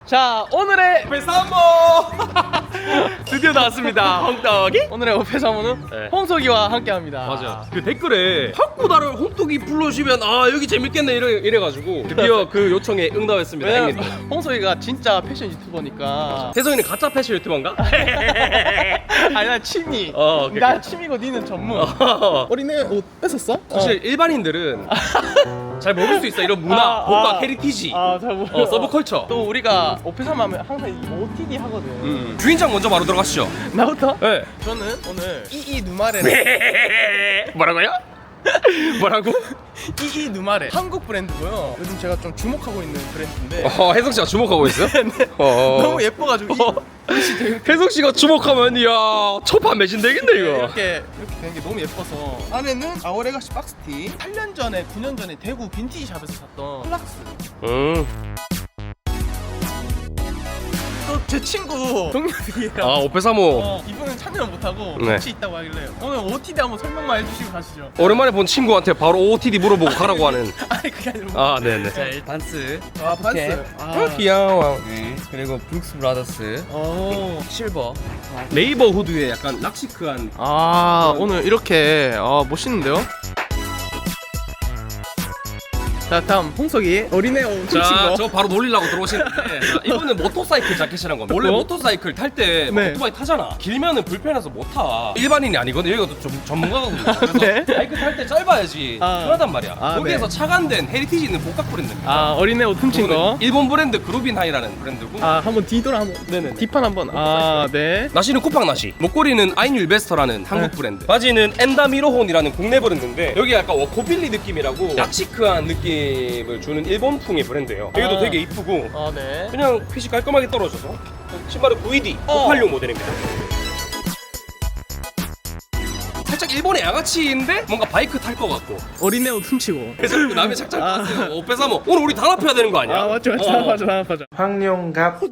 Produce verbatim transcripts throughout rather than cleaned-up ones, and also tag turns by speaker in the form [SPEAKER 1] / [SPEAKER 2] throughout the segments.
[SPEAKER 1] 자, 오늘의
[SPEAKER 2] 배삼모
[SPEAKER 1] 드디어 나왔습니다. 홍떡이. 오늘의 오페사모는
[SPEAKER 2] 네.
[SPEAKER 1] 홍석이와 함께합니다.
[SPEAKER 2] 맞아. 그 댓글에 탁구다를 홍떡이 불러주면 아 여기 재밌겠네 이래, 이래가지고 드디어 그 요청에 응답했습니다.
[SPEAKER 1] 왜냐면
[SPEAKER 2] 형님들.
[SPEAKER 1] 홍석이가 진짜 패션 유튜버니까.
[SPEAKER 2] 태성이는 가짜 패션 유튜버인가?
[SPEAKER 1] 아니 나 취미.
[SPEAKER 2] 어, 오케이,
[SPEAKER 1] 나
[SPEAKER 2] 오케이.
[SPEAKER 1] 취미고 니는 전문.
[SPEAKER 2] 어.
[SPEAKER 1] 어린애 옷 뺏었어?
[SPEAKER 2] 사실 일반인들은 잘 모를 수 있어 이런 문화,
[SPEAKER 1] 아,
[SPEAKER 2] 복과
[SPEAKER 1] 아.
[SPEAKER 2] 헤리티지,
[SPEAKER 1] 아잘 모르.
[SPEAKER 2] 어, 서브컬처.
[SPEAKER 1] 또 우리가 오페사모 하면 항상 이 오티디 하거든.
[SPEAKER 2] 음. 주인장 먼저 바로 들어가시죠.
[SPEAKER 1] 나부터?
[SPEAKER 2] 네.
[SPEAKER 1] 저는 오늘 이이 누마레.
[SPEAKER 2] 뭐라고요? 뭐라고?
[SPEAKER 1] 이이 누마레 한국 브랜드고요. 요즘 제가 좀 주목하고 있는 브랜드인데
[SPEAKER 2] 어, 혜성 씨가 주목하고 있어? 어.
[SPEAKER 1] 너무 예뻐가지고 이-
[SPEAKER 2] 어. 혜성 씨가 주목하면 이야 초판 매진 되겠네 이거.
[SPEAKER 1] 이렇게 이렇게 된 게 너무 예뻐서 안에는 아오레가시 박스티 팔 년 전에 구 년 전에 대구 빈티지 샵에서 샀던 플락스.
[SPEAKER 2] 음.
[SPEAKER 1] 또 제 친구 동료들이랑
[SPEAKER 2] 아 오페사모.
[SPEAKER 1] 어, 이분은 참여 못하고
[SPEAKER 2] 네.
[SPEAKER 1] 같이 있다고 하길래 오늘 오티디 한번 설명만 해주시고 가시죠.
[SPEAKER 2] 오랜만에 본 친구한테 바로 오오티디 물어보고 가라고 하는.
[SPEAKER 1] 아니 그게 아니라
[SPEAKER 2] 아 네네.
[SPEAKER 3] 자, 일 반스.
[SPEAKER 1] 아 반스.
[SPEAKER 2] 아 귀여워.
[SPEAKER 3] 네. 그리고 브룩스 브라더스.
[SPEAKER 1] 오.
[SPEAKER 3] 실버.
[SPEAKER 2] 네이버 후드에 약간 락시크한.
[SPEAKER 1] 아 오늘 이렇게 아 멋있는데요? 자 다음 홍석이 어린애 옷 훔친
[SPEAKER 2] 자,
[SPEAKER 1] 거.
[SPEAKER 2] 저 바로 놀리려고 들어오시는데 자, 이거는 모터사이클 자켓이란 겁니다. 원래
[SPEAKER 1] 어?
[SPEAKER 2] 모터사이클 탈 때
[SPEAKER 1] 네.
[SPEAKER 2] 오토바이 타잖아. 길면은 불편해서 못 타. 일반인이 아니거든. 여기가 또 좀 전문가거든요. 그래서
[SPEAKER 1] 네.
[SPEAKER 2] 바이크 탈 때 짧아야지
[SPEAKER 1] 아.
[SPEAKER 2] 편하단 말이야.
[SPEAKER 1] 아,
[SPEAKER 2] 거기에서
[SPEAKER 1] 네.
[SPEAKER 2] 차관된 헤리티지 있는 복각 브랜드입니다.
[SPEAKER 1] 아 어린애 옷 훔친 거.
[SPEAKER 2] 일본 브랜드 그루빈하이라는 브랜드고.
[SPEAKER 1] 아 한번 뒤돌아 한번.
[SPEAKER 2] 네네네.
[SPEAKER 1] 뒷판 한번. 아 네.
[SPEAKER 2] 나시는 쿠팡 나시, 목걸이는 아인율베스터라는 한국
[SPEAKER 1] 네.
[SPEAKER 2] 브랜드, 바지는 엔다미로혼이라는 국내 브랜드인데 여기 약간 워커빌리 느낌이라고 락시크한 느낌을 주는 일본풍의 브랜드예요. 여기도
[SPEAKER 1] 아.
[SPEAKER 2] 되게 이쁘고
[SPEAKER 1] 아 네.
[SPEAKER 2] 그냥 핏이 깔끔하게 떨어져서 신발은 구이디
[SPEAKER 1] 어.
[SPEAKER 2] 고팔육 모델입니다. 살짝 일본의 양아치인데 뭔가 바이크 탈 것 같고
[SPEAKER 1] 어린애 옷 훔치고.
[SPEAKER 2] 그래서 그 남의 착장
[SPEAKER 1] 아.
[SPEAKER 2] 봤어요. 오페사모 오늘 우리 단합해야 되는 거 아니야?
[SPEAKER 1] 아 맞죠 맞죠
[SPEAKER 2] 어.
[SPEAKER 1] 맞죠 맞죠.
[SPEAKER 4] 황룡갑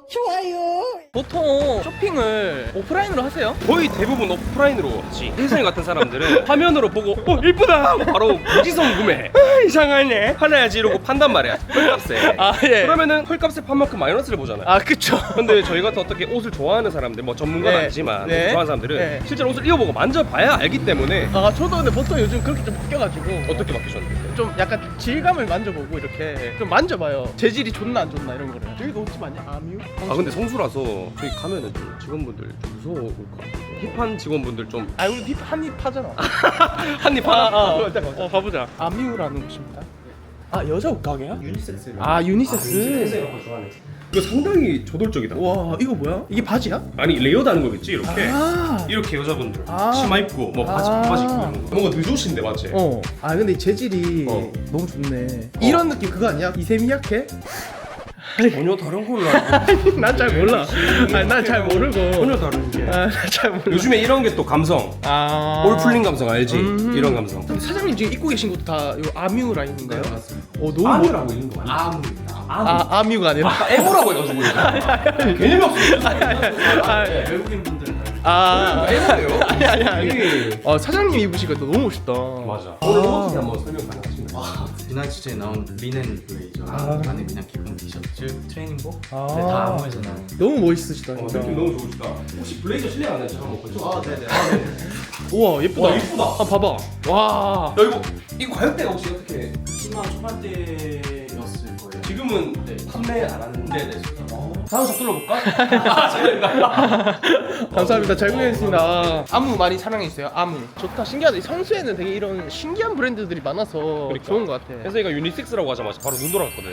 [SPEAKER 1] 보통 쇼핑을 오프라인으로 하세요?
[SPEAKER 2] 거의 대부분 오프라인으로 하지. 혜성이 같은 사람들은 화면으로 보고 어 이쁘다 하고 바로 무지성 구매. 아, 이상하네 팔아야지 이러고 판단 말이야. 헐값에.
[SPEAKER 1] 아 예.
[SPEAKER 2] 그러면은 헐값에 판 만큼 마이너스를 보잖아요.
[SPEAKER 1] 아 그쵸.
[SPEAKER 2] 근데 저희 같은 어떻게 옷을 좋아하는 사람들, 뭐 전문가는
[SPEAKER 1] 네.
[SPEAKER 2] 아니지만
[SPEAKER 1] 네.
[SPEAKER 2] 옷을 좋아하는 사람들은
[SPEAKER 1] 네.
[SPEAKER 2] 실제로 옷을 입어보고 만져봐야 알기 때문에.
[SPEAKER 1] 아 저도 근데 보통 요즘 그렇게 좀 바뀌어가지고
[SPEAKER 2] 어떻게 바뀌셨는데?
[SPEAKER 1] 좀 약간 질감을 만져보고 이렇게 좀 만져봐요. 재질이 좋나 안 좋나 이런 거를. 저희가 옷집 아니야? 아뮤?
[SPEAKER 2] 아 근데 성수라서 저희 가면은 좀 직원분들 좀 무서울 것 같아요. 힙한 직원분들 좀
[SPEAKER 1] 아 우리 힙 한입 하잖아.
[SPEAKER 2] 한입
[SPEAKER 1] 아,
[SPEAKER 2] 하나.
[SPEAKER 1] 아,
[SPEAKER 2] 어, 일단 가보자.
[SPEAKER 1] 어 가보자. 아뮤라는 곳입니다. 아 여자 옷 가게야? 유니섹스. 아 유니섹스.
[SPEAKER 2] 혜성이가 좋아하네. 이거 상당히 저돌적이다.
[SPEAKER 1] 와 이거 뭐야? 이게 바지야?
[SPEAKER 2] 아니 레이어드하는 거겠지 이렇게.
[SPEAKER 1] 아.
[SPEAKER 2] 이렇게 여자분들
[SPEAKER 1] 아.
[SPEAKER 2] 치마 입고 뭐 바지
[SPEAKER 1] 아.
[SPEAKER 2] 바지 입고 이런 거. 뭔가 늦으신데 맞지?
[SPEAKER 1] 어. 아 근데 이 재질이
[SPEAKER 2] 어.
[SPEAKER 1] 너무 좋네. 이런 느낌 그거 아니야? 이세미야케?
[SPEAKER 2] 전혀 다른 걸로 알고.
[SPEAKER 1] 난 잘 몰라. 아니 난 잘 모르고.
[SPEAKER 2] 전혀 다른 게.
[SPEAKER 1] 아잘 몰라.
[SPEAKER 2] 요즘에 이런 게 또 감성.
[SPEAKER 1] 아.
[SPEAKER 2] 올 풀린 감성 알지?
[SPEAKER 1] 음.
[SPEAKER 2] 이런 감성.
[SPEAKER 1] 근데 사장님 지금 입고 계신 것도 다요 아뮤 라인인가요?
[SPEAKER 3] 네, 맞습니다.
[SPEAKER 1] 어 너무
[SPEAKER 2] 아무라고 있는 거 아니야?
[SPEAKER 3] 아무입니다.
[SPEAKER 1] 아 아뮤가 아니라.
[SPEAKER 2] 아까 에모라고 해가지고 개념이 없어.
[SPEAKER 1] 아,
[SPEAKER 3] 외국인 분들은
[SPEAKER 1] 아,
[SPEAKER 2] 에모예요?
[SPEAKER 1] 아니 아니 아니.
[SPEAKER 2] 이게-
[SPEAKER 1] 어 사장님 입으시니까 또 너무 멋있다.
[SPEAKER 2] 맞아. 오늘 옷이 한번 설명 가능하신가요?
[SPEAKER 3] 와, 지난 주에 나온 리넨 블레이저
[SPEAKER 1] 아.
[SPEAKER 3] 안에 그냥 기본 티셔츠, 트레이닝복.
[SPEAKER 1] 아.
[SPEAKER 3] 네, 다 아무에서 나온.
[SPEAKER 1] 너무 멋있으시다
[SPEAKER 2] 어,
[SPEAKER 1] 진짜.
[SPEAKER 2] 느낌 너무 좋으시다. 혹시 블레이저 실례가 안 되죠? 한번 보죠.
[SPEAKER 3] 아, 네네.
[SPEAKER 1] 우와 예쁘다.
[SPEAKER 2] 와, 이쁘다.
[SPEAKER 1] 아 봐봐. 와.
[SPEAKER 2] 야 이거 이거 가격대가 혹시 어떻게?
[SPEAKER 3] 십만 원 초반대였을 거예요.
[SPEAKER 2] 지금은
[SPEAKER 3] 네.
[SPEAKER 2] 판매 안 하는데.
[SPEAKER 3] 네네.
[SPEAKER 2] 다음 샵 둘러볼까? 아, 제가
[SPEAKER 1] 감사합니다. 잘 구매했습니다. 아무 많이 사랑해주세요. 아무. 좋다. 신기하다. 이 성수에는 되게 이런 신기한 브랜드들이 많아서
[SPEAKER 2] 그러니까.
[SPEAKER 1] 좋은 것 같아.
[SPEAKER 2] 혜성이가 유니섹스라고 하자마자 바로 눈 돌아갔거든.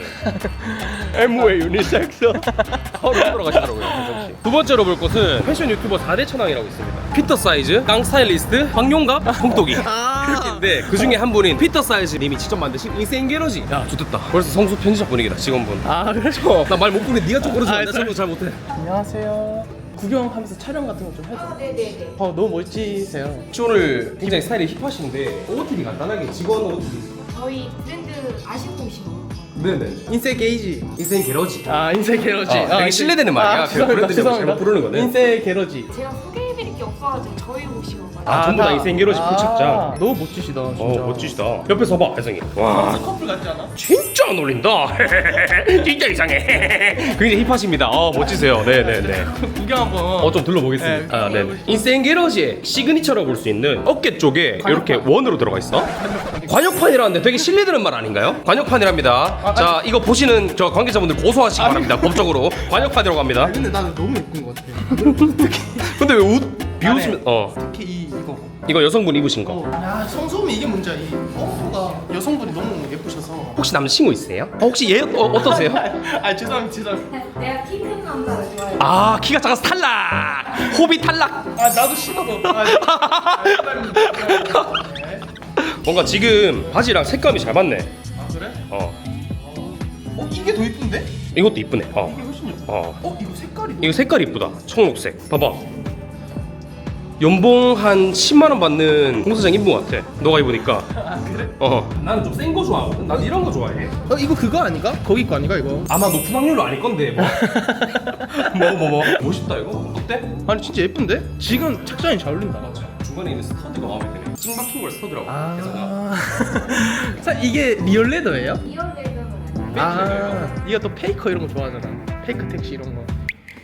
[SPEAKER 1] 에무의 유니섹스.
[SPEAKER 2] 바로 눈 돌아가시더라고요. 혜성 씨. 두 번째로 볼 것은 패션 유튜버 사 대 천왕이라고 있습니다. 피터 사이즈, 깡 스타일리스트, 황용갑, 홍떡이. 그렇게인데 그 중에 한 분인 피터 사이즈 님이 직접 만드신 인생 게러지. 야, 좋겠다. 벌써 성수 편집자 분위기다 직원분.
[SPEAKER 1] 아 그래서.
[SPEAKER 2] 나 말 못 부르는데 네가 좀 걸어줘.
[SPEAKER 1] 아,
[SPEAKER 2] 나 저도 잘 못해.
[SPEAKER 1] 안녕하세요. 구경하면서 촬영 같은 거 좀 해줘.
[SPEAKER 5] 아, 네네네.
[SPEAKER 1] 어 너무 멋지세요.
[SPEAKER 2] 혹시 오늘 굉장히 스타일이 힙하신데 오오티디 간단하게 직원 오오티디.
[SPEAKER 5] 저희 브랜드 아시고 오신 거.
[SPEAKER 2] 네네.
[SPEAKER 1] 인세 게이지.
[SPEAKER 2] 인생 게러지.
[SPEAKER 1] 아 인세 게러지.
[SPEAKER 2] 아, 되게 신뢰되는 말이야. 그
[SPEAKER 1] 죄송합니다.
[SPEAKER 2] 브랜드 이름을 잘못 부르는 거네.
[SPEAKER 1] 인세 게러지.
[SPEAKER 5] 제가 소개해드릴 게 없어가지고 저희 오신 거거든요.
[SPEAKER 2] 아, 전부 다 인생 게러지 풀 착장.
[SPEAKER 1] 너무 멋지시다 진짜.
[SPEAKER 2] 어 멋지시다. 옆에 서봐 혜성이. 와
[SPEAKER 1] 커플 같지 않아?
[SPEAKER 2] 진짜 진짜 안 어울린다. 진짜 이상해. 굉장히 힙하십니다. 어 멋지세요. 네네네.
[SPEAKER 1] 구경 한번.
[SPEAKER 2] 어 좀 둘러보겠습니다.
[SPEAKER 1] 네,
[SPEAKER 2] 아, 네. 인생 게러지의 시그니처라고 볼 수 있는 어깨 쪽에 이렇게 원으로 들어가 있어. 관역판이라는데 되게 실례되는 말 아닌가요? 관역판이랍니다. 자 이거 보시는 저 관계자분들 고소하시기 바랍니다. 법적으로 관역판이라고 합니다.
[SPEAKER 1] 근데 나는 너무 예쁜 것 같아.
[SPEAKER 2] 근데 왜 옷 비웃으면 어
[SPEAKER 1] 특히 이 이거.
[SPEAKER 2] 이거 여성분 입으신 거.
[SPEAKER 1] 야 성소음이 이게 문제야. 이 펌프가 여성분이 너무 예쁘셔서.
[SPEAKER 2] 혹시 남자친구 있으세요? 어, 혹시 얘 어, 어떠세요?
[SPEAKER 1] 아 죄송합니다 죄송합니다.
[SPEAKER 5] 내가 키 큰 남자를 좋아해.
[SPEAKER 2] 아 키가 작아서 탈락. 호비 탈락.
[SPEAKER 1] 아 나도 싫어. 아, 아, 네.
[SPEAKER 2] 뭔가 지금 바지랑 색감이 잘 맞네.
[SPEAKER 1] 아 그래?
[SPEAKER 2] 어
[SPEAKER 1] 어 이게 더 이쁜데?
[SPEAKER 2] 이것도 이쁘네. 어
[SPEAKER 1] 이게 훨씬 예뻐.
[SPEAKER 2] 어.
[SPEAKER 1] 어 이거 색깔이.
[SPEAKER 2] 이거 색깔이 이쁘다. 청록색. 봐봐. 연봉 한 십만 원 받는 공사장 입은 것 같아. 너가 입으니까.
[SPEAKER 1] 아 그래?
[SPEAKER 2] 어. 나는 좀 센 거 좋아하거든. 난 이런 거 좋아해.
[SPEAKER 1] 어 이거 그거 아닌가? 거기 거 아닌가 이거?
[SPEAKER 2] 아마 높은 확률로 아닐 건데. 뭐 뭐 뭐. 뭐. 멋있다 이거. 어때?
[SPEAKER 1] 아니 진짜 예쁜데? 지금 착장이 잘 어울린다.
[SPEAKER 2] 중간에 있는 스터드가 마음에 드네. 찡 박힌 걸 스터드라고. 그래서
[SPEAKER 1] 아. 사 이게 리얼 레더예요?
[SPEAKER 5] 리얼 레드는 아니야.
[SPEAKER 1] 아. 이거 또 페이커 이런 거 좋아하잖아. 페이크 택시 이런 거.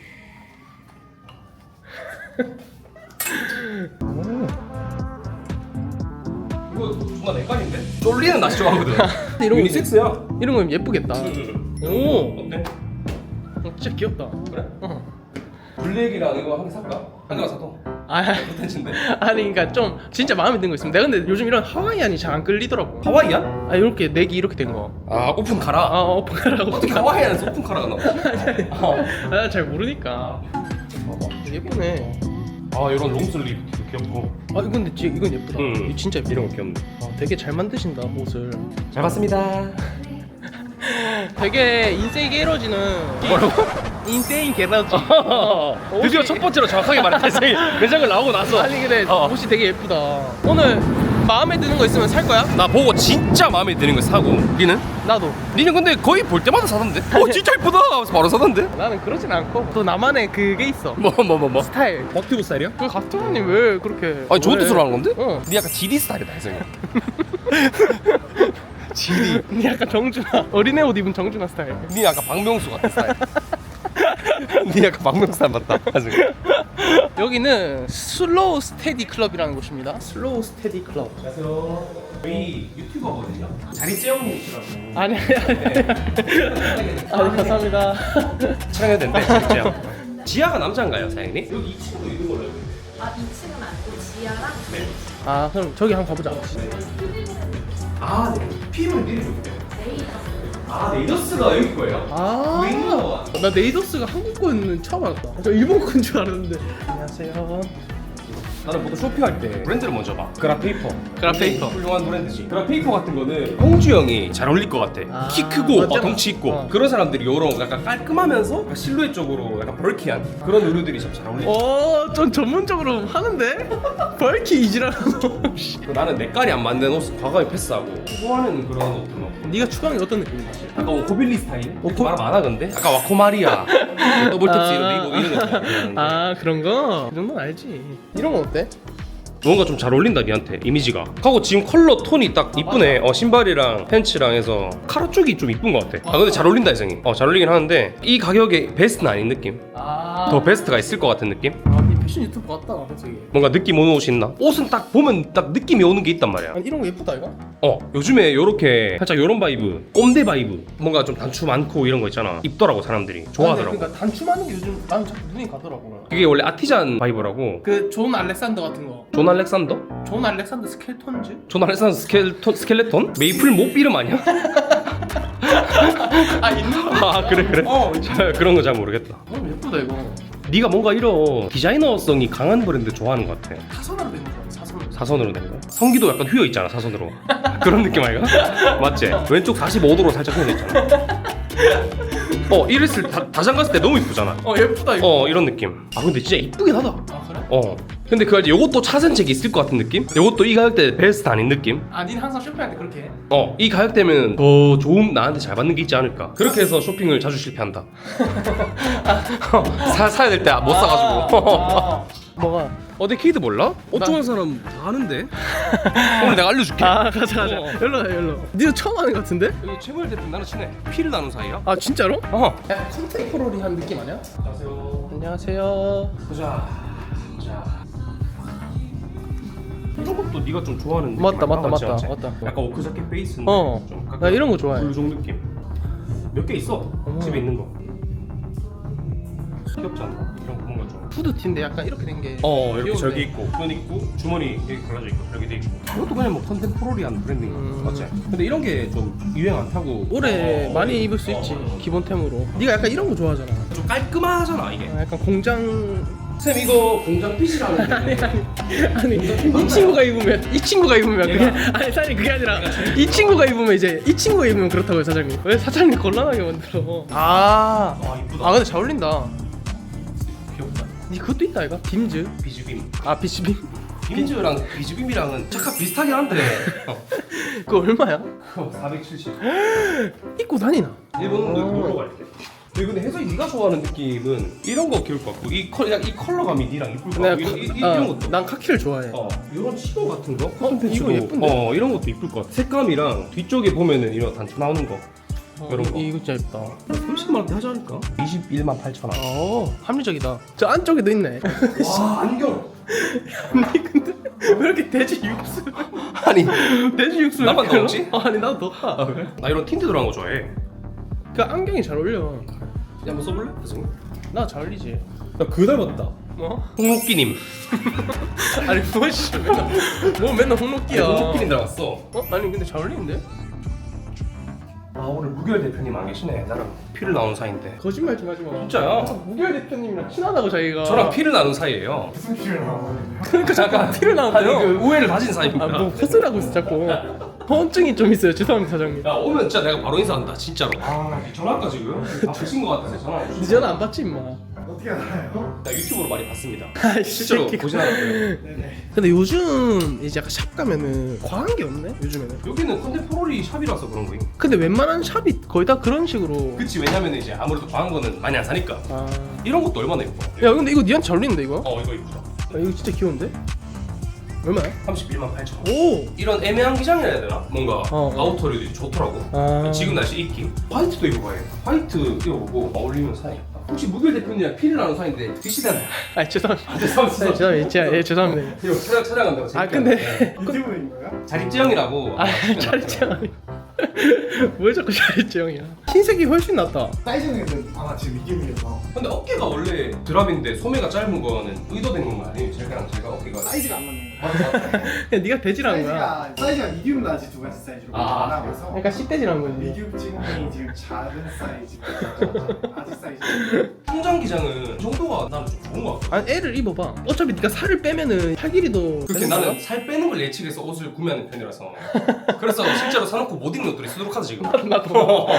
[SPEAKER 2] 이거 정말 내 깔인데? 쫄리는 나 좋아하거든.
[SPEAKER 1] 이런 거
[SPEAKER 2] 유니섹스야.
[SPEAKER 1] 이런 거면 예쁘겠다. 오.
[SPEAKER 2] 어때?
[SPEAKER 1] 어, 진짜 귀엽다.
[SPEAKER 2] 그래?
[SPEAKER 1] 어.
[SPEAKER 2] 블랙이랑 이거 한 개 살까? 한 개만 사도.
[SPEAKER 1] 아,
[SPEAKER 2] 텐츠인데.
[SPEAKER 1] 아니 그러니까 좀 진짜 마음에 드는 거 있으면 내가 근데 요즘 이런 하와이안이 잘 안 끌리더라고.
[SPEAKER 2] 하와이안?
[SPEAKER 1] 아 이렇게 넥이 이렇게 된 거.
[SPEAKER 2] 아 오픈 카라.
[SPEAKER 1] 아 오픈카라고.
[SPEAKER 2] 어떻게 하와이안에서 오픈 카라가 나와?
[SPEAKER 1] 아 잘 모르니까. 예쁘네.
[SPEAKER 2] 아 이런 롱슬립 귀엽고.
[SPEAKER 1] 아 이건 근데 진짜 이건 예쁘다.
[SPEAKER 2] 음.
[SPEAKER 1] 이거 진짜 예쁘다.
[SPEAKER 2] 이런 거 귀엽네.
[SPEAKER 1] 아, 되게 잘 만드신다 옷을.
[SPEAKER 2] 잘 봤습니다.
[SPEAKER 1] 되게 인생 게러지는 뭐라고? 인생 게러지.
[SPEAKER 2] 드디어 첫 번째로 정확하게 말했다. 매장을 나오고 나서.
[SPEAKER 1] 아니 근데
[SPEAKER 2] 어.
[SPEAKER 1] 옷이 되게 예쁘다. 오늘 마음에 드는 거 있으면 살 거야?
[SPEAKER 2] 나 보고 진짜 마음에 드는 거 사고. 니는?
[SPEAKER 1] 나도.
[SPEAKER 2] 니는 근데 거의 볼 때마다 사던데? 어 진짜 이쁘다 하면서 바로 사던데?
[SPEAKER 1] 나는 그러진 않고 또 나만의 그게 있어.
[SPEAKER 2] 뭐 뭐 뭐 뭐?
[SPEAKER 1] 스타일.
[SPEAKER 2] 덕튜브 스타일이야?
[SPEAKER 1] 그 각도님 왜 그렇게?
[SPEAKER 2] 아니 좋은
[SPEAKER 1] 왜?
[SPEAKER 2] 뜻으로 하는 건데?
[SPEAKER 1] 어.
[SPEAKER 2] 니 약간 지디 스타일이다 혜성이.
[SPEAKER 1] 지리. 니 약간 정준하. 어린애 옷 입은 정준하 스타일.
[SPEAKER 2] 니 약간 박명수 같은 스타일. 니 약간 박명수 스타일 맞다. 혜성이.
[SPEAKER 1] 여기는 슬로우 스테디 클럽이라는 곳입니다. 슬로우 스테디 클럽.
[SPEAKER 2] 안녕하세요. 저희 유튜버거든요. 자리째 형님이시라고.
[SPEAKER 1] 아니 아니 아니. 아니 감사합니다.
[SPEAKER 2] 촬영해도 된대 자리째 형. 지하가 남자인가요 사장님? 여기 이 층도 있는 걸로 알고 있는데.
[SPEAKER 5] 아 이 층은 아니고 지하랑
[SPEAKER 2] 네.
[SPEAKER 1] 아 그럼 저기 한번 가보자.
[SPEAKER 2] 아 네. 피부는 미리 좋대요.
[SPEAKER 5] 네이버.
[SPEAKER 2] 아 네이더스가 여기 거예요?
[SPEAKER 1] 아.
[SPEAKER 2] 웨이너.
[SPEAKER 1] 나 네이더스가 한국 거는 처음 알았다. 저 일본 건 줄 알았는데. 안녕하세요.
[SPEAKER 2] 나는 보통 쇼핑할 때 브랜드를 먼저 봐. 그라페이퍼.
[SPEAKER 1] 그라페이퍼.
[SPEAKER 2] 훌륭한 브랜드지. 그라페이퍼 같은 거는 홍주 형이 잘 어울릴 것 같아.
[SPEAKER 1] 아,
[SPEAKER 2] 키 크고
[SPEAKER 1] 맞잖아.
[SPEAKER 2] 어, 덩치 있고
[SPEAKER 1] 어.
[SPEAKER 2] 그런 사람들이 요런 약간 깔끔하면서 약간 실루엣 적으로 약간 벌키한 그런 의류들이 참 잘 어울려.
[SPEAKER 1] 어, 좀 전문적으로 하는데? 벌키 이지라고.
[SPEAKER 2] 나는 내 깔이 안 맞는 옷 과감히 패스하고 좋아하는 그런 옷들 막.
[SPEAKER 1] 네가 추방이 어떤 느낌이지?
[SPEAKER 2] 약간 오코빌리 스타일?
[SPEAKER 1] 오코-
[SPEAKER 2] 말 많아 근데? 아까 와코마리아 더블탭스 이런 네이버 이런 거 좋아하는데.
[SPEAKER 1] 아 그런 거? 이 정도는 알지. 이런 건 어때?
[SPEAKER 2] 뭔가 좀 잘 어울린다 니한테 이미지가. 하고 지금 컬러 톤이 딱 이쁘네. 어 신발이랑 팬츠랑 해서 카라 쪽이 좀 이쁜 것 같아. 아 근데 잘 어울린다 이성이. 어 잘 어울리긴 하는데 이 가격에 베스트는 아닌 느낌.
[SPEAKER 1] 아,
[SPEAKER 2] 더 베스트가 있을 것 같은 느낌?
[SPEAKER 1] 아, 니 패션 유튜브 같다, 솔직히.
[SPEAKER 2] 뭔가 느낌 오는 옷이 있나? 옷은 딱 보면 딱 느낌이 오는 게 있단 말이야.
[SPEAKER 1] 아니 이런 거 예쁘다 이거?
[SPEAKER 2] 어 요즘에 요렇게 살짝 요런 바이브 꼼데 바이브 뭔가 좀 단추 많고 이런 거 있잖아. 입더라고 사람들이 좋아하더라고.
[SPEAKER 1] 그러니까 단춤하는 게 요즘 나는 자꾸 눈이 가더라고.
[SPEAKER 2] 그게 원래 아티잔 바이브라고.
[SPEAKER 1] 그 존 알렉산더 같은 거.
[SPEAKER 2] 존 알렉산더?
[SPEAKER 1] 존 알렉산더 스켈톤즈?
[SPEAKER 2] 존 알렉산더 스켈톤, 스켈레톤? 메이플 몹 이름 아니야?
[SPEAKER 1] 아 있는 거?
[SPEAKER 2] 아 그래 그래?
[SPEAKER 1] 어.
[SPEAKER 2] 잘 그런 거 잘 모르겠다.
[SPEAKER 1] 너무 예쁘다 이거.
[SPEAKER 2] 네가 뭔가 이런 디자이너성이 강한 브랜드 좋아하는 것 같아.
[SPEAKER 1] 사선으로 된 거야. 사선으로.
[SPEAKER 2] 사선으로 된 거야? 성기도 약간 휘어 있잖아 사선으로. 그런 느낌 아이가? 맞지? 왼쪽 사십오 도로 살짝 휘어 있잖아. 어 이랬을 때 다, 다장 갔을 때 너무 이쁘잖아.
[SPEAKER 1] 어 예쁘다 이거.
[SPEAKER 2] 어 이런 느낌. 아 근데 진짜 이쁘긴 하다.
[SPEAKER 1] 아 그래?
[SPEAKER 2] 어 근데 그 알지? 요것도 차선책이 있을 것 같은 느낌? 요것도 이 가격대 베스트 아닌 느낌?
[SPEAKER 1] 아 니는 항상 쇼핑할 때 그렇게 해?
[SPEAKER 2] 어 이 가격대면 더 좋은 나한테 잘 맞는 게 있지 않을까. 그렇게 해서 쇼핑을 자주 실패한다. 사, 사야 될 때 못 사가지고.
[SPEAKER 1] 아, 뭐가?
[SPEAKER 2] 어디 키드 몰라? 옷
[SPEAKER 1] 나-
[SPEAKER 2] 좋아하는 사람 다 아는데. 오늘 내가 알려줄게.
[SPEAKER 1] 아 가자 가자.
[SPEAKER 2] 어.
[SPEAKER 1] 열로 가 열로. 니도 처음 하는 거 같은데?
[SPEAKER 2] 여기 최무열 대표 나는 친해. 피를 나눈 사이야.
[SPEAKER 1] 아 진짜로?
[SPEAKER 2] 어.
[SPEAKER 1] 약간 컨템포러리한 느낌 아니야?
[SPEAKER 2] 안녕하세요.
[SPEAKER 1] 안녕하세요.
[SPEAKER 2] 보자. 보자. 이런 것도 네가 좀 좋아하는 느낌
[SPEAKER 1] 맞다,
[SPEAKER 2] 아니야?
[SPEAKER 1] 맞다,
[SPEAKER 2] 맞지,
[SPEAKER 1] 맞다,
[SPEAKER 2] 맞지?
[SPEAKER 1] 맞다.
[SPEAKER 2] 약간 오크자켓 베이스인데
[SPEAKER 1] 어.
[SPEAKER 2] 좀
[SPEAKER 1] 나 이런 거 좋아해.
[SPEAKER 2] 블루종 느낌. 몇 개 있어.
[SPEAKER 1] 어머.
[SPEAKER 2] 집에 있는 거. 귀엽지 않나? 이런 거 뭔가 좀.
[SPEAKER 1] 후드티인데 약간 이렇게 된 게.
[SPEAKER 2] 어 이렇게
[SPEAKER 1] 귀여운데.
[SPEAKER 2] 저기 있고 끈 있고 주머니 여기 걸려져 있고 여기도 있고 이것도 그냥 뭐 컨템포러리한 브랜딩
[SPEAKER 1] 음.
[SPEAKER 2] 맞지? 근데 이런 게 좀 유행 안 타고
[SPEAKER 1] 올해
[SPEAKER 2] 어,
[SPEAKER 1] 많이 입을 수
[SPEAKER 2] 어,
[SPEAKER 1] 있지
[SPEAKER 2] 어.
[SPEAKER 1] 기본템으로. 네가 약간 이런 거 좋아하잖아.
[SPEAKER 2] 좀 깔끔하잖아 이게.
[SPEAKER 1] 아, 약간 공장.
[SPEAKER 2] 쌤 이거 공장 핏이라는
[SPEAKER 1] 아니
[SPEAKER 2] 데
[SPEAKER 1] 아니 아니 이 친구가 입으면 이 친구가 입으면 그게 아니 사장님 그게 아니라 이 친구가 입으면 이제 이 친구가 입으면 그렇다고요 사장님. 왜 사장님 곤란하게 만들어? 아.
[SPEAKER 2] 아 이쁘다.
[SPEAKER 1] 아 근데 잘 어울린다.
[SPEAKER 2] 귀엽다.
[SPEAKER 1] 니 그것도 있다 이거? 빔즈?
[SPEAKER 2] 비즈빔.
[SPEAKER 1] 아 비치빔?
[SPEAKER 2] 빔즈랑 비즈빔이랑은 잠깐 비슷하긴 한데 어.
[SPEAKER 1] 그거 얼마야?
[SPEAKER 2] 그거 사백칠십.
[SPEAKER 1] 입고 다니나?
[SPEAKER 2] 일본도
[SPEAKER 1] 어.
[SPEAKER 2] 놀러 갈게. 근데 혜성이 네가 좋아하는 느낌은 이런 거 귀여울 것 같고 이 컬, 이 컬러감이 니랑 이쁠 것
[SPEAKER 1] 내가
[SPEAKER 2] 같고 이, 이, 이,
[SPEAKER 1] 어,
[SPEAKER 2] 이런 것도
[SPEAKER 1] 난 카키를 좋아해.
[SPEAKER 2] 어 이런 치고 같은 거?
[SPEAKER 1] 어, 이거 예쁜데?
[SPEAKER 2] 어 이런 것도 이쁠 것 같아. 색감이랑 뒤쪽에 보면은 이런 단추 나오는 거
[SPEAKER 1] 어,
[SPEAKER 2] 이런 거.
[SPEAKER 1] 이- 이거 진짜 예쁘다.
[SPEAKER 2] 삼십만 원대 하지 않을까? 이십일만 팔천 원.
[SPEAKER 1] 어 합리적이다. 저 안쪽에도 있네.
[SPEAKER 2] 와 안경.
[SPEAKER 1] 니 근데 왜 이렇게 돼지 육수?
[SPEAKER 2] 아니
[SPEAKER 1] 돼지 육수
[SPEAKER 2] 나만
[SPEAKER 1] 이렇게
[SPEAKER 2] 넣었지?
[SPEAKER 1] 넣어? 아니 나도 넣었다.
[SPEAKER 2] 나 이런 틴트 들어간 거 좋아해.
[SPEAKER 1] 그 안경이 잘 어울려.
[SPEAKER 2] 야 한번 써볼래? 혜성이?
[SPEAKER 1] 나 잘 어울리지.
[SPEAKER 2] 나그 닮았다.
[SPEAKER 1] 뭐?
[SPEAKER 2] 홍록기님.
[SPEAKER 1] 아니 뭐씨 맨날 뭐 맨날 홍록기야.
[SPEAKER 2] 홍록기님 닮았어.
[SPEAKER 1] 어? 아니 근데 잘 어울리는데?
[SPEAKER 2] 아 오늘 무결 대표님 안 계시네. 나랑 피를 나눈 사이인데.
[SPEAKER 1] 거짓말 좀 하지 마.
[SPEAKER 2] 진짜야?
[SPEAKER 1] 무결 대표님이랑 친하다고 자기가.
[SPEAKER 2] 저랑 피를 나눈 사이예요.
[SPEAKER 1] 그러니까 잠깐 피를
[SPEAKER 2] 아니
[SPEAKER 1] 나왔대요.
[SPEAKER 2] 그 우애를 가진 사이입니다.
[SPEAKER 1] 아뭐 헛소리하고 있어 자꾸. 허언증이 좀 있어요. 죄송합니다 사장님.
[SPEAKER 2] 야 오면 진짜 내가 바로 인사한다 진짜로. 아 전화할까 지금? 바쁘신 것 같아서 전화.
[SPEAKER 1] 니 전화 안 받지 임마.
[SPEAKER 4] 어떻게 알아요?
[SPEAKER 2] 나 유튜브로 많이 봤습니다.
[SPEAKER 1] 아이
[SPEAKER 2] 실제로
[SPEAKER 1] 새끼가.
[SPEAKER 2] 보진 않았고요.
[SPEAKER 4] 네네.
[SPEAKER 1] 근데 요즘 이제 약간 샵 가면은 과한 게 없네 요즘에는.
[SPEAKER 2] 여기는 컨템포러리 샵이라서 그런 거임.
[SPEAKER 1] 근데 웬만한 샵이 거의 다 그런 식으로.
[SPEAKER 2] 그치 왜냐면 이제 아무래도 과한 거는 많이 안 사니까.
[SPEAKER 1] 아.
[SPEAKER 2] 이런 것도 얼마나 예뻐.
[SPEAKER 1] 야 근데 이거 니한테 잘 어울리는데 이거?
[SPEAKER 2] 어 이거 이쁘다.
[SPEAKER 1] 아, 이거 진짜 귀여운데? 얼마야?
[SPEAKER 2] 삼십일만 팔천 원.
[SPEAKER 1] 오.
[SPEAKER 2] 이런 애매한 기장이라 해야 되나? 뭔가
[SPEAKER 1] 어, 어.
[SPEAKER 2] 아우터류도 좋더라고.
[SPEAKER 1] 아.
[SPEAKER 2] 지금 날씨 입기. 화이트도 입어봐요. 화이트 입어보고 어울리는 사이. 혹시 무결 대표님이랑 피를 나눈 사이인데 드시잖아요.
[SPEAKER 1] 아 죄송합니다.
[SPEAKER 2] 아, 죄송합니다.
[SPEAKER 1] 네, 죄송합니다. 진짜 예 죄송합니다.
[SPEAKER 2] 이거 촬영 촬영한다고.
[SPEAKER 1] 아
[SPEAKER 2] 재밌게
[SPEAKER 1] 근데
[SPEAKER 2] 하는데.
[SPEAKER 4] 유튜브인가요?
[SPEAKER 2] 자립지형이라고.
[SPEAKER 1] 아 차리짱 아니. 왜 자꾸 차리짱이야? 흰색이 훨씬 낫다.
[SPEAKER 4] 사이즈는 아마 지금 미디움이어서
[SPEAKER 2] 근데 어깨가 원래 드랍인데 소매가 짧은 거는 의도된 건 아니에요? 제가랑 제가 어깨가
[SPEAKER 4] 사이즈가 안 맞는 거예요.
[SPEAKER 1] 그냥 네가 돼지라는 거야.
[SPEAKER 4] 사이즈가 사이즈가 미디움 라지 두 가지 사이즈로
[SPEAKER 2] 아.
[SPEAKER 4] 나눠서
[SPEAKER 1] 그러니까 씨돼지라는 거지.
[SPEAKER 4] 미디움 지금이 지금 작은 사이즈, 아직 사이즈.
[SPEAKER 2] 통장 기장은 이 정도가 나는 좀 좋은 것 같아.
[SPEAKER 1] 아니 애를 입어봐. 어차피 네가 살을 빼면은 팔 길이도.
[SPEAKER 2] 그렇게
[SPEAKER 1] 되는
[SPEAKER 2] 나는
[SPEAKER 1] 거야?
[SPEAKER 2] 살 빼는 걸 예측해서 옷을 구매하는 편이라서 그래서 실제로 사놓고 못 입는 옷들이 수두룩 하다 지금.
[SPEAKER 1] 나도.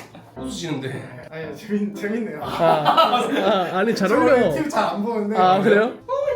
[SPEAKER 2] 웃으시는데
[SPEAKER 4] 아니 재밌 재밌네요.
[SPEAKER 1] 아, 아 아니 잘
[SPEAKER 4] 저
[SPEAKER 1] 어울려.
[SPEAKER 4] 유튜브 잘 안 보는데.
[SPEAKER 1] 아 그래요?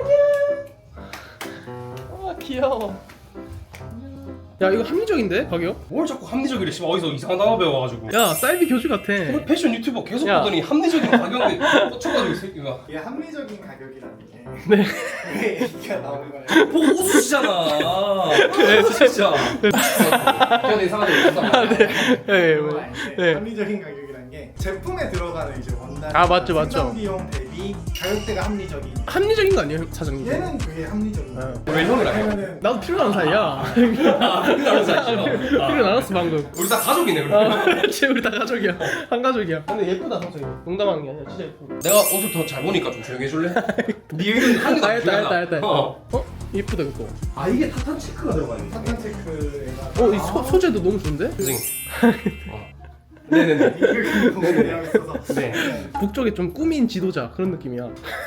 [SPEAKER 1] 아 귀여워. 야 이거 합리적인데 가격?
[SPEAKER 2] 뭘 자꾸 합리적이래 씨발 어디서 이상한 단어 배워가지고.
[SPEAKER 1] 야 사이비 교주 같아.
[SPEAKER 2] 오늘 패션 유튜버 계속
[SPEAKER 1] 야.
[SPEAKER 2] 보더니 합리적인 가격에 꽂혀가지고 이 새끼가
[SPEAKER 4] 이게 합리적인 가격이라는 게
[SPEAKER 1] 네.
[SPEAKER 4] 왜 얘기가 나오는 거예요?
[SPEAKER 2] 보고 웃으시잖아.
[SPEAKER 1] 네,
[SPEAKER 2] 진짜. 그냥 이상하게 웃었다.
[SPEAKER 1] 네,
[SPEAKER 4] 그거
[SPEAKER 1] 뭐,
[SPEAKER 4] 아닌데
[SPEAKER 1] 네.
[SPEAKER 4] 합리적인 가격이라는 게 제품에 들어가는 이제 원단
[SPEAKER 1] 아, 맞죠, 맞죠.
[SPEAKER 4] 생산 비용 대비 가격대가 합리적인.
[SPEAKER 1] 합리적인 거 아니에요 사장님?
[SPEAKER 4] 얘는 그게 합리적인 거예요.
[SPEAKER 1] 어.
[SPEAKER 2] 왜 형이랑 해?
[SPEAKER 4] 왜냐면은
[SPEAKER 1] 나도 필요한 사이야.
[SPEAKER 2] 아, 필요한 사이죠.
[SPEAKER 1] 필요 나눴어 방금.
[SPEAKER 2] 우리 다 가족이네
[SPEAKER 1] 아,
[SPEAKER 2] 그러면.
[SPEAKER 1] 그렇지 우리 다 가족이야. 한 가족이야. 근데 예쁘다 사장님. 농담하는 게 아니라 진짜 예쁘다.
[SPEAKER 2] 내가 옷을 더 잘 보니까 좀 조용히 해줄래? 네 의견 한 개도
[SPEAKER 1] 아,
[SPEAKER 2] 안
[SPEAKER 1] 했다,
[SPEAKER 2] 중요하다.
[SPEAKER 1] 했다, 했다.
[SPEAKER 2] 어.
[SPEAKER 1] 어? 예쁘다 이거.
[SPEAKER 2] 아 이게 타탄 체크가 들어가 있네.
[SPEAKER 4] 사탄 체크에다가
[SPEAKER 1] 어, 이 소, 소재도 너무 좋은데?
[SPEAKER 2] 선생님. 어. 네네네.
[SPEAKER 4] 이걸 공개하고 있어서
[SPEAKER 2] 네.
[SPEAKER 1] 북쪽에 좀 꾸민 지도자 그런 느낌이야.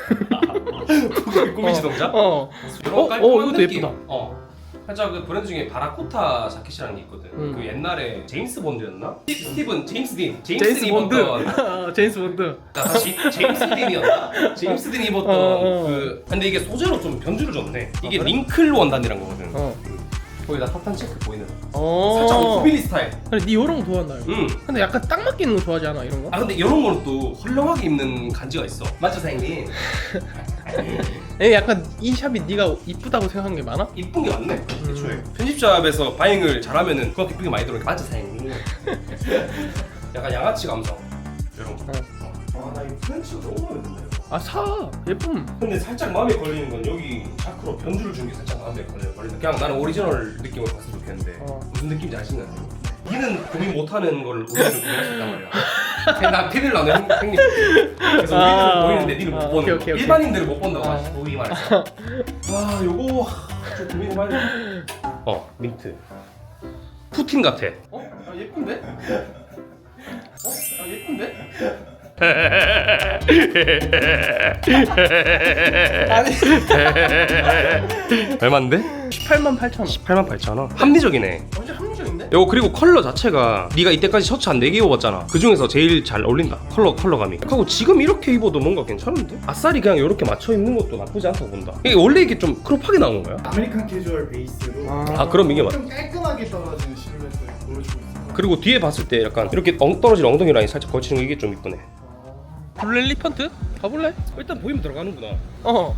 [SPEAKER 2] 꾸미 지동자?
[SPEAKER 1] 어.
[SPEAKER 2] 이런
[SPEAKER 1] 어,
[SPEAKER 2] 깔끔한
[SPEAKER 1] 어, 이것도
[SPEAKER 2] 느낌.
[SPEAKER 1] 예쁘다.
[SPEAKER 2] 어. 살짝 그 브랜드 중에 바라코타 자켓이라는 게 있거든.
[SPEAKER 1] 음.
[SPEAKER 2] 그 옛날에 제임스 본드였나? 스티븐 제임스 딘. 제임스,
[SPEAKER 1] 제임스
[SPEAKER 2] 딘
[SPEAKER 1] 본드.
[SPEAKER 2] 입었던.
[SPEAKER 1] 아, 제임스 본드.
[SPEAKER 2] 나 다시 제임스 딘이었나? 제임스 딘이 입었던
[SPEAKER 1] 어, 어.
[SPEAKER 2] 그. 근데 이게 소재로 좀 변주를 줬네. 이게
[SPEAKER 1] 그래?
[SPEAKER 2] 링클 원단이란 거거든.
[SPEAKER 1] 어.
[SPEAKER 2] 거기다 타탄 체크 보이는.
[SPEAKER 1] 어.
[SPEAKER 2] 살짝 코빌리 스타일.
[SPEAKER 1] 그래, 니 이런 거 좋아한다. 이거.
[SPEAKER 2] 응.
[SPEAKER 1] 근데 약간 딱 맞기는 거 좋아하지 않아 이런 거?
[SPEAKER 2] 아 근데 이런 거는 또 헐렁하게 입는 간지가 있어. 맞죠 사장님?
[SPEAKER 1] 에 약간 이 샵이 네가 이쁘다고 생각한 게 많아?
[SPEAKER 2] 이쁜 게 많네. 애초에 편집샵에서 바잉을 잘하면은 그거 이쁘게 많이 들어오니까 맞지 사장님. 약간 양아치 감성 이런 거. 아나 이거 프렌치가 너무 마음에 든다.
[SPEAKER 1] 아 사 예쁨.
[SPEAKER 2] 근데 살짝 마음에 걸리는 건 여기 자크로 변주를 준 게 살짝 마음에 걸려 걸린다. 그냥 나는 오리지널 느낌으로 봤으면 좋겠는데
[SPEAKER 1] 어.
[SPEAKER 2] 무슨 느낌인지 아시나요? 니는 고민 못하는 걸 우리는 고민할 수 있단 말이야. 그냥 나 티를 나는 형- 형님. 그래서
[SPEAKER 1] 아.
[SPEAKER 2] 우리는 보이는데 니는 못
[SPEAKER 1] 아,
[SPEAKER 2] 보는
[SPEAKER 1] 오케이,
[SPEAKER 2] 거.
[SPEAKER 1] 오케이, 오케이.
[SPEAKER 2] 일반인들은 못 본다고
[SPEAKER 1] 아.
[SPEAKER 2] 하시 보기 말해서. 와 요거 좀 고민을 많이. 어 민트. 푸틴 같아.
[SPEAKER 1] 어? 아 예쁜데? 어? 아 예쁜데? 아니
[SPEAKER 2] 얼마인데?
[SPEAKER 1] 십팔만 팔천 원.
[SPEAKER 2] 십팔만 팔천 원. 합리적이네.
[SPEAKER 1] 완전 합리적인데?
[SPEAKER 2] 요 그리고 컬러 자체가 네가 이때까지 셔츠 한 네 개 입어봤잖아. 그 중에서 제일 잘 어울린다. 컬러 컬러감이. 하고 지금 이렇게 입어도 뭔가 괜찮은데? 아싸리 그냥 이렇게 맞춰 입는 것도 나쁘지 않다고 본다. 이게 원래 이게 좀 크롭하게 나온 거야?
[SPEAKER 4] 아메리칸 캐주얼 베이스로
[SPEAKER 2] 아 그럼 이게 맞.
[SPEAKER 4] 좀 깔끔하게 떨어지는 실루엣을 보여주고 있어요.
[SPEAKER 2] 그리고 뒤에 봤을 때 약간 이렇게 엉 떨어진 엉덩이 라인 살짝 걸치는 게 이게 좀 이쁘네.
[SPEAKER 1] 블랙 리펀트? 가볼래?
[SPEAKER 2] 일단 보이면 들어가는구나.
[SPEAKER 1] 어.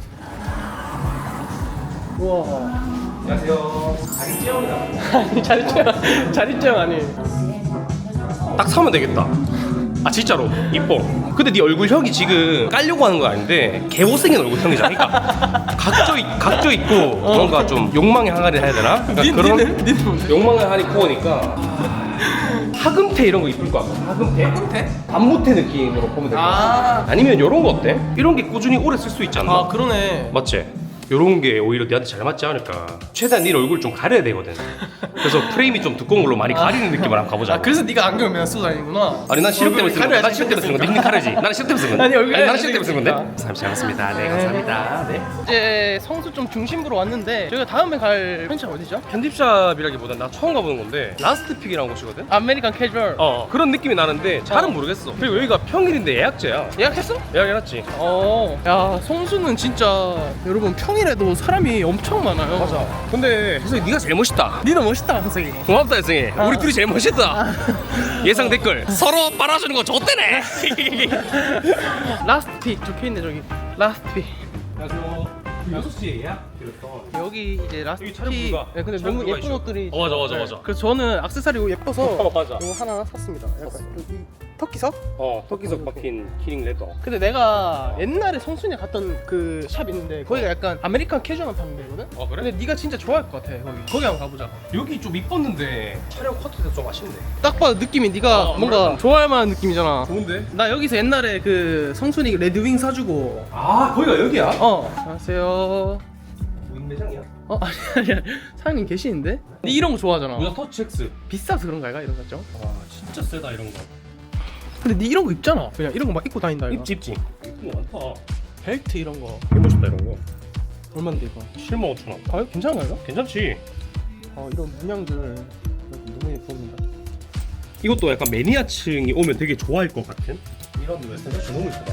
[SPEAKER 1] 우와.
[SPEAKER 2] 안녕하세요. 자리 찌영이다.
[SPEAKER 1] 아니 자리짱 자리짱 아니.
[SPEAKER 2] 딱 사면 되겠다. 아 진짜로 이뻐. 근데 네 얼굴형이 지금 깔려고 하는 거 아닌데 개 못생긴 얼굴형이잖아. 그러니까 각져 있, 각져 있고 뭔가 좀 욕망의 항아리 해야 되나? 그러니까
[SPEAKER 1] 니,
[SPEAKER 2] 그런
[SPEAKER 1] 니는? 니는 뭔데?
[SPEAKER 2] 욕망의 항아리 코어니까 하금태 이런 거 이쁠 것 같아. 하금태? 하금태? 반모태 느낌으로 보면 될 것 같아.
[SPEAKER 1] 아.
[SPEAKER 2] 아니면 이런 거 어때? 이런 게 꾸준히 오래 쓸 수 있지 않나?
[SPEAKER 1] 아 그러네.
[SPEAKER 2] 맞지? 요런 게 오히려 네한테 잘 맞지 않을까. 최대한 네 얼굴 좀 가려야 되거든. 그래서 프레임이 좀 두꺼운 걸로 많이 가리는 느낌으로 한번 가보자.
[SPEAKER 1] 아 그래서 네가 안경을 맨날 쓰고 다니구나.
[SPEAKER 2] 아니 난 시력 때문에 쓰는 건데. 난 시력 때문에 쓰는 건데. 니는 가려지. 나는 시력 때문에 쓰는 건데.
[SPEAKER 1] 아니, 얼굴이
[SPEAKER 2] 나는 시력 때문에 쓰는 건데.
[SPEAKER 1] 잘생겼으니까.
[SPEAKER 2] 잘 잘했습니다. 네 감사합니다. 네.
[SPEAKER 1] 이제 성수 좀 중심부로 왔는데 저희가 다음에 갈 편차 어디죠?
[SPEAKER 2] 편집샵이라기보단 나 처음 가보는 건데 라스트픽이라는 곳이거든.
[SPEAKER 1] 아메리칸 캐주얼.
[SPEAKER 2] 어 그런 느낌이 나는데 잘은 모르겠어. 그리고 여기가 평일인데 예약제야.
[SPEAKER 1] 예약했어?
[SPEAKER 2] 예약해놨지.
[SPEAKER 1] 어. 야 성수는 진짜 여러분 평일에도 사람이 엄청 많아요.
[SPEAKER 2] 맞아. 근데 혜성이 네가 제일 멋있다.
[SPEAKER 1] 니는 멋있다 성석이.
[SPEAKER 2] 고맙다 혜성이.
[SPEAKER 1] 아.
[SPEAKER 2] 우리 둘이 제일 멋있다. 예상 댓글 서로 빨아주는 거 좋대네.
[SPEAKER 1] 라스트 픽 적혀있네 저기. 라스트 픽.
[SPEAKER 2] 안녕하세요. 여섯 시에 예약 드렸던.
[SPEAKER 1] 여기 이제 라스트
[SPEAKER 2] 여기 촬영
[SPEAKER 1] 픽.
[SPEAKER 2] 불가.
[SPEAKER 1] 네, 근데
[SPEAKER 2] 촬영
[SPEAKER 1] 너무
[SPEAKER 2] 불가
[SPEAKER 1] 예쁜
[SPEAKER 2] 이슈.
[SPEAKER 1] 옷들이.
[SPEAKER 2] 어, 맞아, 맞아,
[SPEAKER 1] 네.
[SPEAKER 2] 맞아.
[SPEAKER 1] 그래서 저는 액세서리 예뻐서
[SPEAKER 2] 어, 맞아.
[SPEAKER 1] 이거 하나 샀습니다. 약간 여기 터키석?
[SPEAKER 2] 어 터키석 박힌 키링 레더.
[SPEAKER 1] 근데 내가 옛날에 성순이 갔던 그 샵 있는데 거기가 약간 아메리칸 캐주얼만 파는 데거든?
[SPEAKER 2] 어 그래?
[SPEAKER 1] 근데 네가 진짜 좋아할 것 같아 거기. 거기 한번 가보자.
[SPEAKER 2] 여기 좀 이뻤는데 촬영 커트돼서 좀 아쉽네.
[SPEAKER 1] 딱 봐도 느낌이 네가
[SPEAKER 2] 어,
[SPEAKER 1] 뭔가
[SPEAKER 2] 아무래도.
[SPEAKER 1] 좋아할 만한 느낌이잖아.
[SPEAKER 2] 좋은데?
[SPEAKER 1] 나 여기서 옛날에 그 성순이 레드윙 사주고.
[SPEAKER 2] 아 거기가 여기야?
[SPEAKER 1] 어 안녕하세요.
[SPEAKER 2] 무인 매장이야?
[SPEAKER 1] 어 아니 아니 사장님 계시는데? 네 이런 거 좋아하잖아.
[SPEAKER 2] 무자 터치 X.
[SPEAKER 1] 비싸서 그런가 이가 이런 거 있죠?
[SPEAKER 2] 와 진짜 세다 이런 거.
[SPEAKER 1] 근데 네 이런 거 입잖아. 그냥 이런 거 막 입고 다닌다 이거.
[SPEAKER 2] 입지 입지. 이쁜 거 많다.
[SPEAKER 1] 벨트 이런 거
[SPEAKER 2] 되게 멋있다 이런 거.
[SPEAKER 1] 얼마인데 이거?
[SPEAKER 2] 칠만 오천 원.
[SPEAKER 1] 가격 괜찮은가 이거?
[SPEAKER 2] 괜찮지?
[SPEAKER 1] 어 이런 문양들 너무 예쁩니다.
[SPEAKER 2] 이것도 약간 매니아층이 오면 되게 좋아할 것 같은 이런 웨스턴 셔츠 너무 예쁘다.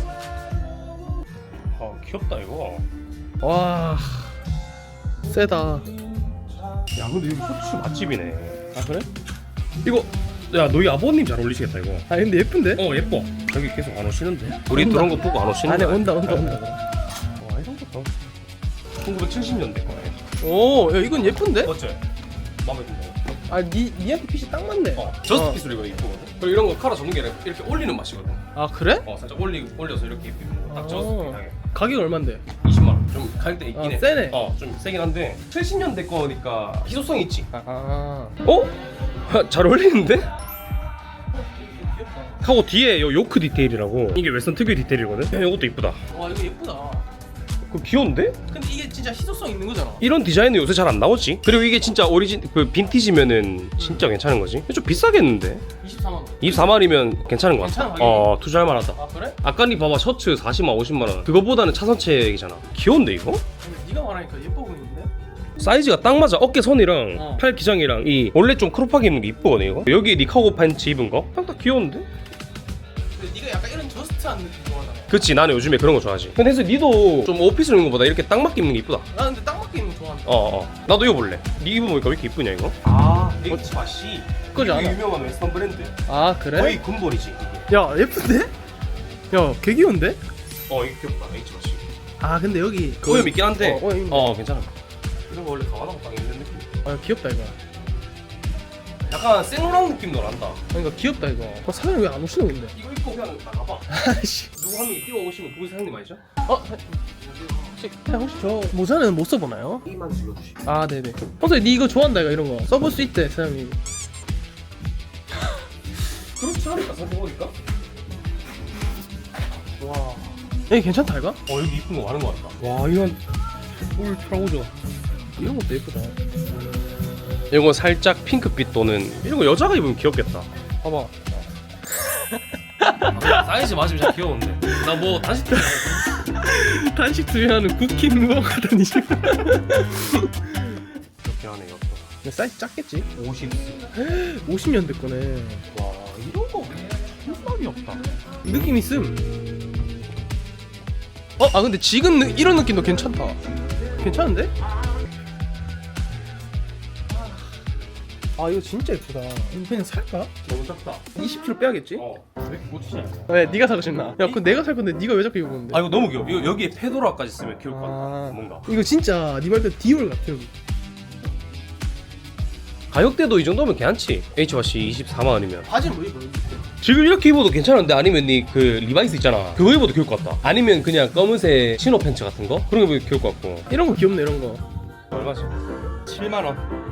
[SPEAKER 2] 아 귀엽다 이거.
[SPEAKER 1] 와 세다.
[SPEAKER 2] 야 근데 여기 셔츠 맛집이네.
[SPEAKER 1] 아 그래?
[SPEAKER 2] 이거 야 너희 아버님 잘 어울리시겠다 이거.
[SPEAKER 1] 아 근데 예쁜데?
[SPEAKER 2] 어 예뻐. 여기 계속 안 오시는데. 우리
[SPEAKER 1] 온다.
[SPEAKER 2] 그런 거 보고 안 오시는
[SPEAKER 1] 안에
[SPEAKER 2] 거야.
[SPEAKER 1] 온다 온다 온다.
[SPEAKER 2] 와 이런 것도 천구백칠십 년대 거네.
[SPEAKER 1] 오, 야 이건 예쁜데?
[SPEAKER 2] 맞지? 마음에 든다.
[SPEAKER 1] 아, 니 니한테 핏이 딱 맞네.
[SPEAKER 2] 어 저스트 피스로 이거 이쁘거든. 그리고 이런 거 칼라 접는 게 아니라 이렇게 올리는 맛이거든.
[SPEAKER 1] 아 그래?
[SPEAKER 2] 어 살짝 올리 올려서 이렇게 입히는 거. 딱 저스트
[SPEAKER 1] 어.
[SPEAKER 2] 피스하게.
[SPEAKER 1] 가격 얼마인데?
[SPEAKER 2] 이십만 원. 좀 가격대 있긴
[SPEAKER 1] 아,
[SPEAKER 2] 해.
[SPEAKER 1] 세네.
[SPEAKER 2] 어, 좀 세긴 한데 칠십 년대 거니까 희소성이 있지.
[SPEAKER 1] 아, 아.
[SPEAKER 2] 어? 잘 어울리는데? 하고 뒤에 요 요크 디테일이라고 이게 웨스턴 특유의 디테일이거든? 야, 이것도 이쁘다.
[SPEAKER 1] 와 이거 예쁘다.
[SPEAKER 2] 그 귀여운데?
[SPEAKER 1] 근데 이게 진짜 희소성 있는 거잖아.
[SPEAKER 2] 이런 디자인은 요새 잘 안 나오지. 그리고 이게 진짜 오리진 그 빈티지면은 진짜 괜찮은 거지. 좀 비싸겠는데?
[SPEAKER 1] 이십사만 원.
[SPEAKER 2] 이십사만이면 괜찮은 것 같아.
[SPEAKER 1] 괜찮아, 가격이?
[SPEAKER 2] 어 투자할 만하다.
[SPEAKER 1] 아 그래?
[SPEAKER 2] 아까 니 봐봐 셔츠 사십만 오십만 원. 그거보다는 차선책이잖아. 귀여운데 이거?
[SPEAKER 1] 근데 네가 말하니까 예뻐 보이는데?
[SPEAKER 2] 사이즈가 딱 맞아. 어깨 선이랑
[SPEAKER 1] 어.
[SPEAKER 2] 팔 기장이랑 이 원래 좀 크롭하게 입는 게 이쁘거든 이거. 여기 니 카고 팬츠 입은 거? 딱 딱 귀여운데?
[SPEAKER 1] 근데 네가 약간 이런 저스트한 느낌 좋아하잖아.
[SPEAKER 2] 그치 나는 요즘에 그런 거 좋아하지. 근데 그래서 니도 좀 오피스로 입는 거보다 이렇게 딱 맞게 입는 게 이쁘다.
[SPEAKER 1] 나 근데 딱 맞게 입는 거 좋아한다.
[SPEAKER 2] 어어 나도 이거 볼래. 니 입어보니까 왜 이렇게 이쁘냐 이거?
[SPEAKER 1] 아,
[SPEAKER 2] H바시.
[SPEAKER 1] 그거지 않아?
[SPEAKER 2] 유명한 웨스턴 브랜드.
[SPEAKER 1] 아 그래?
[SPEAKER 2] 거의 군벌이지 이게.
[SPEAKER 1] 야 예쁜데? 야 개 귀여운데?
[SPEAKER 2] 어 이게 귀엽다 H바시.
[SPEAKER 1] 아 근데 여기 그
[SPEAKER 2] 오염 있긴 한데
[SPEAKER 1] 어, 오염 있네.
[SPEAKER 2] 어 괜찮아. 이런 거 원래 강화하고 딱 있는 느낌.
[SPEAKER 1] 아 귀엽다 이거.
[SPEAKER 2] 약간 생로랑 느낌도 난다.
[SPEAKER 1] 그러니까 귀엽다 이거. 어, 사장님 왜 안 오시는 건데?
[SPEAKER 2] 이거 입고 그냥 나가봐.
[SPEAKER 1] 아씨.
[SPEAKER 2] 누구 한 명이 뛰어오시면 거기 사장님 아니죠?
[SPEAKER 1] 어? 혹시 그냥 혹시 저 모자는 못 써보나요?
[SPEAKER 2] 이만 질러주시.
[SPEAKER 1] 아 네네. 평소에 니 이거 좋아한다 이거 이런 거 써볼 수 있대 사장님.
[SPEAKER 2] 그렇지 않을까 생각해보니까?
[SPEAKER 1] 와. 여기 괜찮다 이거?
[SPEAKER 2] 어 여기 이쁜 거 많은 거 같다.
[SPEAKER 1] 와 이건 울 트라우저. 이런 것도 예쁘다.
[SPEAKER 2] 이거 살짝 핑크빛 도는 이런 거 여자가 입으면 귀엽겠다.
[SPEAKER 1] 봐봐.
[SPEAKER 2] 사이즈 맞으면 진짜 귀여운데. 나 뭐 단식 때
[SPEAKER 1] 단식 투여하는 쿠킹 무언가 다니시.
[SPEAKER 2] 이렇게 하네 이것도.
[SPEAKER 1] 사이즈 작겠지?
[SPEAKER 2] 오십.
[SPEAKER 1] 오십 년대 거네.
[SPEAKER 2] 와 이런 거 흠밥이 없다.
[SPEAKER 1] 느낌 있음. 어? 아 근데 지금 느, 이런 느낌도 괜찮다. 괜찮은데? 아 이거 진짜 예쁘다. 이거 그냥 살까?
[SPEAKER 2] 너무 작다.
[SPEAKER 1] 이십 킬로그램 빼야겠지?
[SPEAKER 2] 어. 왜 이렇게 못 치냐?
[SPEAKER 1] 왜 네가 사고 싶나? 야 그거 내가 살 건데 네가 왜 자꾸 입었는데?
[SPEAKER 2] 아 이거 너무 귀여워. 이거 여기에 페도라까지 쓰면 귀여울 것 같다.
[SPEAKER 1] 아.
[SPEAKER 2] 뭔가.
[SPEAKER 1] 이거 진짜 네 말대로 디올 같아 여기.
[SPEAKER 2] 가격대도 이 정도면 괜찮지. H와시 이십사만 원이면.
[SPEAKER 1] 바지는 뭐 입어?
[SPEAKER 2] 지금 이렇게 입어도 괜찮은데 아니면 니 그 리바이스 있잖아. 그거 입어도 귀여울 것 같다. 아니면 그냥 검은색 치노 팬츠 같은 거? 그런 거 입어도 귀여울 것 같고.
[SPEAKER 1] 이런 거 귀엽네 이런 거.
[SPEAKER 2] 얼마지? 칠만 원.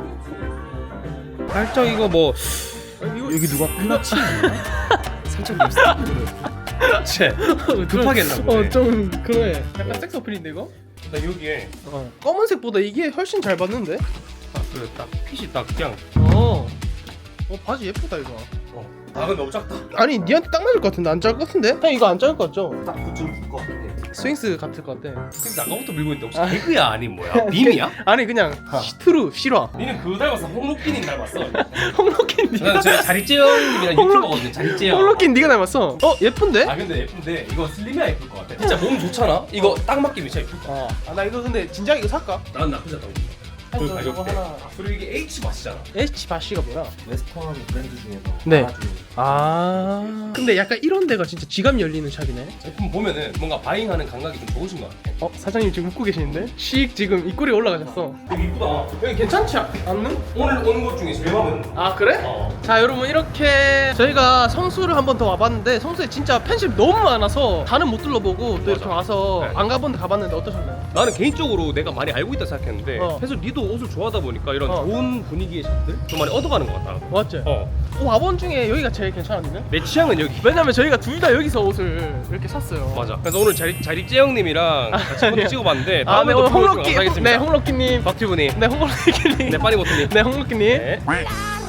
[SPEAKER 2] 살짝 이거 뭐
[SPEAKER 1] 이거 여기 누가
[SPEAKER 2] 클러치 살짝 립스틱. 쟤 급하겠나 보네.
[SPEAKER 1] 어좀 그래. 약간 섹스 어필인데 이거?
[SPEAKER 2] 나 여기에
[SPEAKER 1] 어. 검은색보다 이게 훨씬 잘 봤는데?
[SPEAKER 2] 딱그딱 핏이 딱 그냥.
[SPEAKER 1] 어. 어 바지 예쁘다 이거.
[SPEAKER 2] 어. 아 근데 너무 작다.
[SPEAKER 1] 아니 니한테 딱 맞을 것 같은데 안 작을 것 같은데? 형 이거 안 작을 것 같죠?
[SPEAKER 3] 딱 붙을 것 같아.
[SPEAKER 1] 스윙스 같을 것 같아.
[SPEAKER 2] 지금 아까부터 밀고 있는데 혹시 개그야 아니 뭐야? 빔이야?
[SPEAKER 1] 아니 그냥 트루 실화.
[SPEAKER 2] 니는 그거 닮았어. 홍록기님 닮았어.
[SPEAKER 1] 홍록긴 니가
[SPEAKER 2] 나는 저 자리재영님이랑
[SPEAKER 1] 홍록-
[SPEAKER 2] 유튜버거든요. 자리재영.
[SPEAKER 1] 홍록긴 니가 닮았어. 어 예쁜데?
[SPEAKER 2] 아 근데 예쁜데 이거 슬림해야 예쁠 것 같아. 진짜 몸 좋잖아. 이거 딱 맞게 미쳐 예쁠 것 같아.
[SPEAKER 1] 아 나 이거 근데 진작 이거 살까?
[SPEAKER 2] 난 나쁘지 않다고 봅니다. 그
[SPEAKER 1] 저
[SPEAKER 2] 가격대.
[SPEAKER 1] 저거 하나.
[SPEAKER 2] 그리고 이게 H 맛이잖아.
[SPEAKER 1] H 바시가 뭐야?
[SPEAKER 3] 웨스턴 브랜드 중에서
[SPEAKER 1] 네.
[SPEAKER 3] 하나 중에
[SPEAKER 1] 아 근데 약간 이런 데가 진짜 지갑 열리는 샵이네.
[SPEAKER 2] 제품 보면은 뭔가 바잉하는 감각이 좀 좋으신 것 같아.
[SPEAKER 1] 어 사장님 지금 웃고 계시는데? 씩 지금 입꼬리 올라가셨어.
[SPEAKER 2] 되게 이쁘다.
[SPEAKER 1] 여기 괜찮지 않는?
[SPEAKER 2] 오늘 온 것 중에 제일 마음에 드는 거.
[SPEAKER 1] 아 그래?
[SPEAKER 2] 어.
[SPEAKER 1] 자 여러분 이렇게 저희가 성수를 한 번 더 와봤는데 성수에 진짜 팬심 너무 많아서 다는 못 둘러보고 또 이렇게
[SPEAKER 2] 맞아.
[SPEAKER 1] 와서
[SPEAKER 2] 네.
[SPEAKER 1] 안 가본 데 가봤는데 어떠셨나요?
[SPEAKER 2] 나는 개인적으로 내가 많이 알고 있다 생각했는데
[SPEAKER 1] 어.
[SPEAKER 2] 그래서 니도 옷을 좋아하다 보니까 이런
[SPEAKER 1] 어.
[SPEAKER 2] 좋은 분위기의 샵들 좀 많이 얻어가는 것 같다.
[SPEAKER 1] 맞지?
[SPEAKER 2] 어.
[SPEAKER 1] 어, 와본 중에 여기가 제일 괜찮았는데?
[SPEAKER 2] 내 취향은 여기.
[SPEAKER 1] 왜냐면 저희가 둘 다 여기서 옷을 이렇게 샀어요.
[SPEAKER 2] 맞아. 그래서 오늘 자리 자리재영님이랑 같이 포토 찍어봤는데
[SPEAKER 1] 아, 네,
[SPEAKER 2] 다음에 또
[SPEAKER 1] 오늘
[SPEAKER 2] 프로그램
[SPEAKER 1] 홍록기,
[SPEAKER 2] 감사하겠습니다.
[SPEAKER 1] 네, 홍록기님.
[SPEAKER 2] 박튜브님,
[SPEAKER 1] 네, 홍록기님.
[SPEAKER 2] 네, 빠니모토님.
[SPEAKER 1] 네, 홍록기님.
[SPEAKER 2] 네.